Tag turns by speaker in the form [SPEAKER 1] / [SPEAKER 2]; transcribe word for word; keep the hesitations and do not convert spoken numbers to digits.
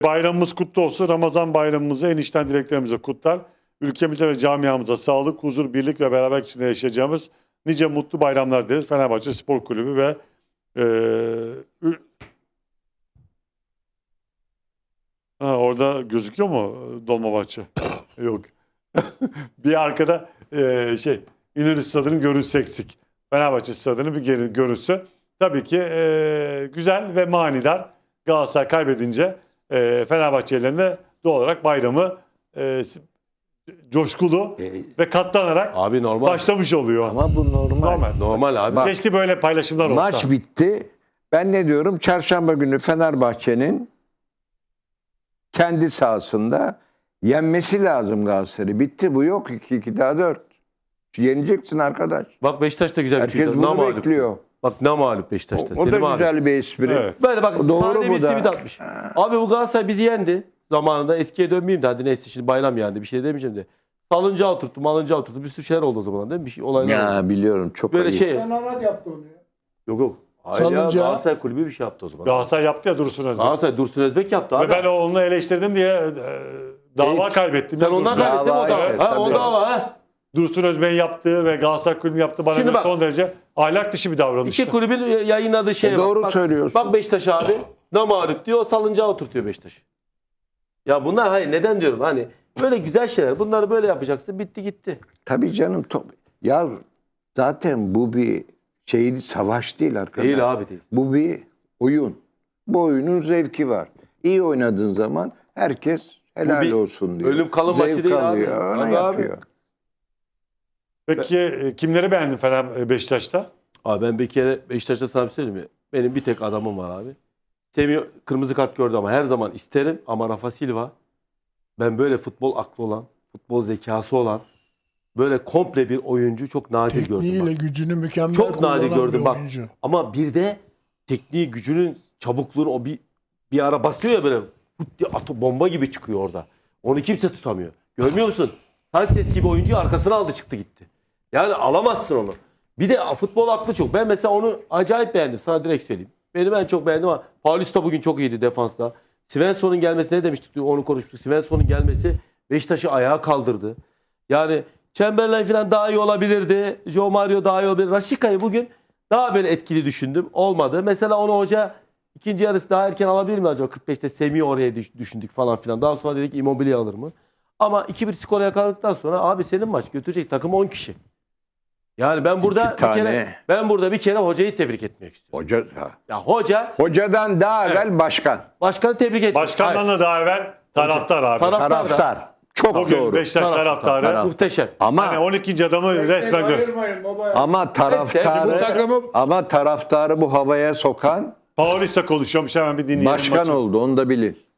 [SPEAKER 1] Bayramımız kutlu olsun. Ramazan bayramımızı en içten dileklerimize kutlar. Ülkemize ve camiamıza sağlık, huzur, birlik ve beraberlik içinde yaşayacağımız nice mutlu bayramlar dileriz. Fenerbahçe Spor Kulübü ve e, ha, orada gözüküyor mu Dolmabahçe? Yok. Bir arkada e, şey İnönü Stadı'nın görüntüsü eksik. Fenerbahçe Stadı'nın bir geri görüntüsü. Tabii ki e, güzel ve manidar. Galatasaray kaybedince e, Fenerbahçelilerine doğal olarak bayramı e, coşkulu
[SPEAKER 2] E,
[SPEAKER 1] ve katlanarak
[SPEAKER 3] Abi normal.
[SPEAKER 1] başlamış oluyor.
[SPEAKER 2] Ama bu normal.
[SPEAKER 1] Normal.
[SPEAKER 3] Normal abi.
[SPEAKER 2] Bak,
[SPEAKER 1] Keşke böyle paylaşımlar olsa.
[SPEAKER 2] Maç bitti. Ben ne diyorum? Çarşamba günü Fenerbahçe'nin kendi sahasında yenmesi lazım Galatasaray'ı. Bitti, bu yok. iki iki daha dört. Yeneceksin arkadaş.
[SPEAKER 3] Bak Beşiktaş da güzel bir
[SPEAKER 2] Herkes
[SPEAKER 3] şey.
[SPEAKER 2] bunu
[SPEAKER 3] Namağlup.
[SPEAKER 2] bekliyor.
[SPEAKER 3] Bak ne mağlup
[SPEAKER 2] O,
[SPEAKER 3] Beşiktaş'ta.
[SPEAKER 2] o da
[SPEAKER 3] Selim abi.
[SPEAKER 2] güzel bir espri.
[SPEAKER 1] Evet.
[SPEAKER 3] Böyle bak
[SPEAKER 2] Doğru
[SPEAKER 3] sahne
[SPEAKER 2] mu
[SPEAKER 3] bir
[SPEAKER 2] da?
[SPEAKER 3] tweet atmış. Abi bu Galatasaray bizi yendi. Zamanında eskiye dönmeyeyim de hadi neyse şimdi bayram yendi bir şey demeyeceğim de. Salıncağı oturttu, malıncağı oturttu. Bir sürü şeyler oldu o zaman değil mi? Bir şey, olaylar oldu.
[SPEAKER 2] Ya biliyorum, çok
[SPEAKER 3] Böyle
[SPEAKER 2] ayıp.
[SPEAKER 3] şey.
[SPEAKER 4] Fenerbahçe yaptı onu ya.
[SPEAKER 3] Yok yok. Hayır ya,
[SPEAKER 4] Salıncağı-
[SPEAKER 3] Galatasaray kulübü bir şey yaptı o zaman.
[SPEAKER 1] Galatasaray yaptı ya Dursun Özbek.
[SPEAKER 3] Galatasaray Dursun Özbek yaptı abi.
[SPEAKER 1] Ve ben onu eleştirdim diye e, dava
[SPEAKER 3] Evet.
[SPEAKER 1] kaybettim.
[SPEAKER 3] Sen
[SPEAKER 1] ya
[SPEAKER 3] ondan
[SPEAKER 1] Dursun.
[SPEAKER 3] kaybettin mi o
[SPEAKER 2] Dava,
[SPEAKER 3] dava?
[SPEAKER 2] evet,
[SPEAKER 3] Ha, o
[SPEAKER 2] tabii.
[SPEAKER 3] dava ha.
[SPEAKER 1] Dursun Özbek'in yaptığı ve Galatasaray Kulübü yaptığı bana
[SPEAKER 3] Şimdi
[SPEAKER 1] göre
[SPEAKER 3] bak.
[SPEAKER 1] son derece ahlak dışı bir davranış.
[SPEAKER 3] İki kulübün yayınladığı şeye
[SPEAKER 2] E,
[SPEAKER 3] bak.
[SPEAKER 2] doğru
[SPEAKER 3] Bak,
[SPEAKER 2] söylüyorsun.
[SPEAKER 3] Bak Beşiktaş abi. Ne mağlup diyor, salıncağı oturtuyor Beşiktaş. Ya bunlar hayır neden diyorum hani böyle güzel şeyler. Bunları böyle yapacaksın. Bitti gitti.
[SPEAKER 2] Tabii canım. Top. Ya zaten bu bir şey, savaş değil arkadaş.
[SPEAKER 3] Değil abi değil.
[SPEAKER 2] Bu bir oyun. Bu oyunun zevki var. İyi oynadığın zaman herkes helal
[SPEAKER 3] bir
[SPEAKER 2] olsun diyor.
[SPEAKER 3] ölüm kalım
[SPEAKER 2] Zevk
[SPEAKER 3] maçı değil abi.
[SPEAKER 2] alıyor, Öyle
[SPEAKER 3] Tabii abi.
[SPEAKER 2] yapıyor.
[SPEAKER 1] Peki e, kimleri beğendin Fener Beşiktaş'ta?
[SPEAKER 3] Abi ben bir kere Beşiktaş'ta sana bir şey söyleyeyim mi? Benim bir tek adamım var abi. Semih kırmızı kart gördü ama her zaman isterim. Ama Rafa Silva ben böyle futbol aklı olan, futbol zekası olan böyle komple bir oyuncu çok nadir gördüm.
[SPEAKER 4] Tekniğiyle
[SPEAKER 3] Bak.
[SPEAKER 4] gücünü mükemmel
[SPEAKER 3] Çok nadir
[SPEAKER 4] kullanan
[SPEAKER 3] gördüm
[SPEAKER 4] bir
[SPEAKER 3] bak.
[SPEAKER 4] oyuncu.
[SPEAKER 3] Ama bir de tekniği, gücünün, çabukluğunu o bir bir ara basıyor ya böyle hut diye atı bomba gibi çıkıyor orada. Onu kimse tutamıyor. Görmüyor musun? Sanchez gibi oyuncuyu arkasına aldı çıktı gitti. Yani alamazsın onu. Bir de futbol aklı çok. Ben mesela onu acayip beğendim. Sana direkt söyleyeyim. Benim en çok beğendim ama Paulista bugün çok iyiydi defansta. Svensson'un gelmesi ne demiştik? Onu konuşmuştuk. Svensson'un gelmesi Beşiktaş'ı ayağa kaldırdı. Yani Chamberlain falan daha iyi olabilirdi. Joe Mario daha iyi olabilirdi. Raşika'yı bugün daha böyle etkili düşündüm. Olmadı. Mesela onu hoca ikinci yarısı daha erken alabilir mi acaba? kırk beşte Semih'i oraya düş- düşündük falan filan. Daha sonra dedik Immobile alır mı? Ama iki bir skora yakaladıktan sonra abi senin maç götürecek takım on kişi. Yani ben burada
[SPEAKER 2] İki
[SPEAKER 3] bir
[SPEAKER 2] tane.
[SPEAKER 3] kere ben burada bir kere hocayı tebrik etmek istiyorum.
[SPEAKER 2] Hoca, ha.
[SPEAKER 3] Ya hoca
[SPEAKER 2] Hocadan daha evvel başkan.
[SPEAKER 3] başkanı tebrik etmek.
[SPEAKER 1] Başkandan da daha evvel taraftar abi.
[SPEAKER 3] Taraf-
[SPEAKER 2] Taraftar. Çok
[SPEAKER 1] Bugün
[SPEAKER 2] doğru.
[SPEAKER 1] Beşiktaş
[SPEAKER 3] Taraftar.
[SPEAKER 1] taraftarı.
[SPEAKER 2] Taraf.
[SPEAKER 3] Muhteşem.
[SPEAKER 2] Ama
[SPEAKER 1] Hani on ikinci adamı resmen gör.
[SPEAKER 4] Ayırmayın baba.
[SPEAKER 2] ama
[SPEAKER 4] Bu
[SPEAKER 2] taraftarı
[SPEAKER 4] takımı
[SPEAKER 2] ama taraftarı bu havaya sokan
[SPEAKER 1] Paulista konuşuyormuş, hemen bir dinleyelim.
[SPEAKER 2] başkan
[SPEAKER 1] maçı.
[SPEAKER 2] oldu. Onu da bilin.